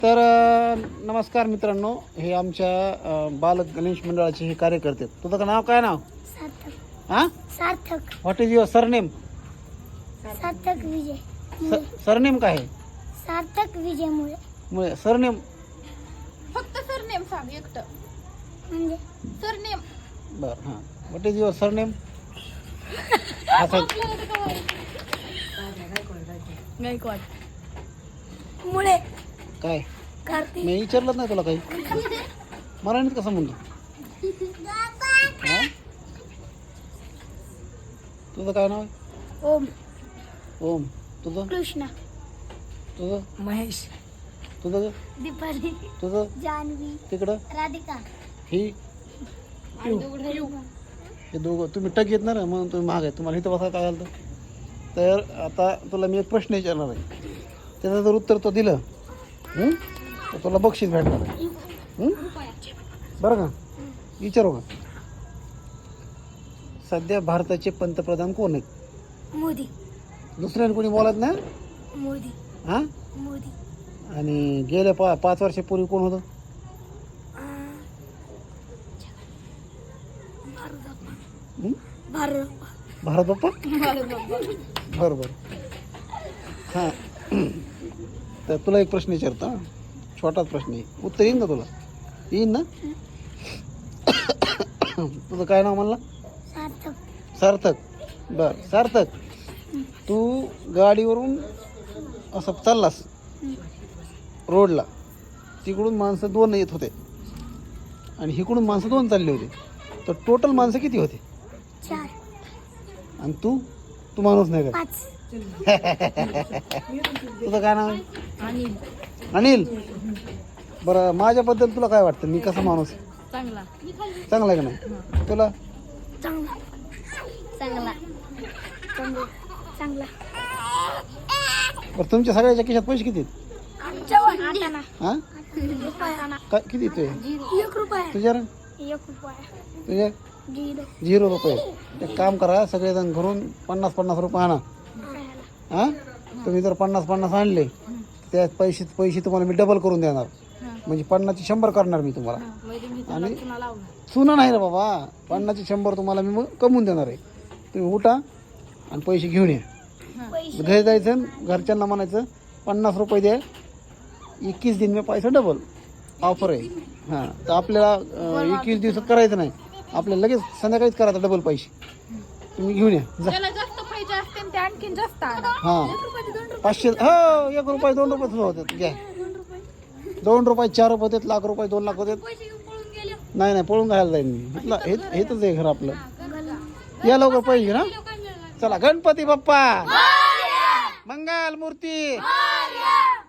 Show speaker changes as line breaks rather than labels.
तर नमस्कार मित्रांनो, हे आमच्या बालक गणेश मंडळाचे हे कार्यकर्ते. तुझं नाव काय? नाव
सार्थक.
हां
Sarthak.
What is your surname?
Sarthak Vijay.
Surname काय आहे?
सार्थक विजय मुळे.
सरनेम
फक्त सरनेम सांग एकटं.
म्हणजे
सरनेम
बरं. हां, what is your surname?
Gaikwad.
Mule.
काय
कार्तिक.
मी विचारलंच नाही तुला काही. मराठीत कसं म्हणतो? हां, तुझं काय नाव आहे?
ओम.
ओम. तुझं?
कृष्णा.
तुझं?
महेश.
तुझं?
दीपाली.
तुझं?
जान्हवी.
तिकडं?
राधिका.
ही हे दोघं तुम्ही टक येत ना म्हणून तुम्ही महाग आहे. तुम्हाला इथं बसा काय झालं? तर आता तुला मी एक प्रश्न विचारणार आहे. त्याचं जर उत्तर तो दिलं तर तुला बक्षीस भेटणार आहे. बरं का? विचारू का? सध्या भारताचे पंतप्रधान कोण आहेत?
मोदी.
दुसऱ्याने कोणी बोलत ना?
मोदी.
हां,
मोदी.
आणि गेल्या 5 वर्षापूर्वी कोण होतं?
भारत.
भारत बाप्पा. बरं बरं. हां, तर तुला एक प्रश्न विचारतो. हां, छोटाच प्रश्न आहे, उत्तर येईन ना तुला? येईन ना? तुझं काय नाव म्हणला?
सार्थक.
सार्थक. बरं सार्थक, तू गाडीवरून असं चाललास रोडला, तिकडून माणसं 2 येत होते आणि इकडून माणसं 2 चालले होते. तर टोटल माणसं किती होते?
4.
आणि तू माणूस नाही का?
5.
तुझं काय नाव आहे?
अनिल.
अनिल. बरं, माझ्याबद्दल तुला काय वाटतं? मी कसा माणूस?
चांगला.
चांगला आहे का नाही? तुला?
चांगला. चांगला. चांगला.
बरं, तुमच्या सगळ्याच्या खिशात पैसे किती आहेत?
आटाणा.
हां,
रुपया.
काय किती येतोय?
1 रुपया.
तुझ्या?
1 रुपया.
तुझ्या? 0 रुपये. एक काम करा, सगळेजण घरून 50-50 रुपये आणा. हां, तुम्ही जर 50-50 आणले त्या पैसे तुम्हाला मी डबल करून देणार. म्हणजे 50चे 100 करणार मी तुम्हाला. आणि चुना नाही रे बाबा, 50चे 100 तुम्हाला मी मग कमवून देणार आहे. तुम्ही उठा आणि पैसे घेऊन या. घरी जायचं, घरच्यांना म्हणायचं 50 रुपये द्या, 21 दिन में पैसा डबल ऑफर आहे. हां, तर आपल्याला 21 दिवसात करायचं नाही, आपल्याला लगेच संध्याकाळीच करायचं डबल पैसे. तुम्ही घेऊन या जा.
ज्याला जास्त पैसे असते ते आणखीन जास्त आणा.
हां, 500. हो, 1 रुपये 2 रुपये सुद्धा होतात. घ्या, 2 रुपये 4 रुपये होतात, लाख रुपये 2 लाख होतात. नाही पळून घालायला जाईल मी. हेच आहे घर आपलं. या लवकर पैसे ना. चला, गणपती बाप्पा मंगल मूर्ती.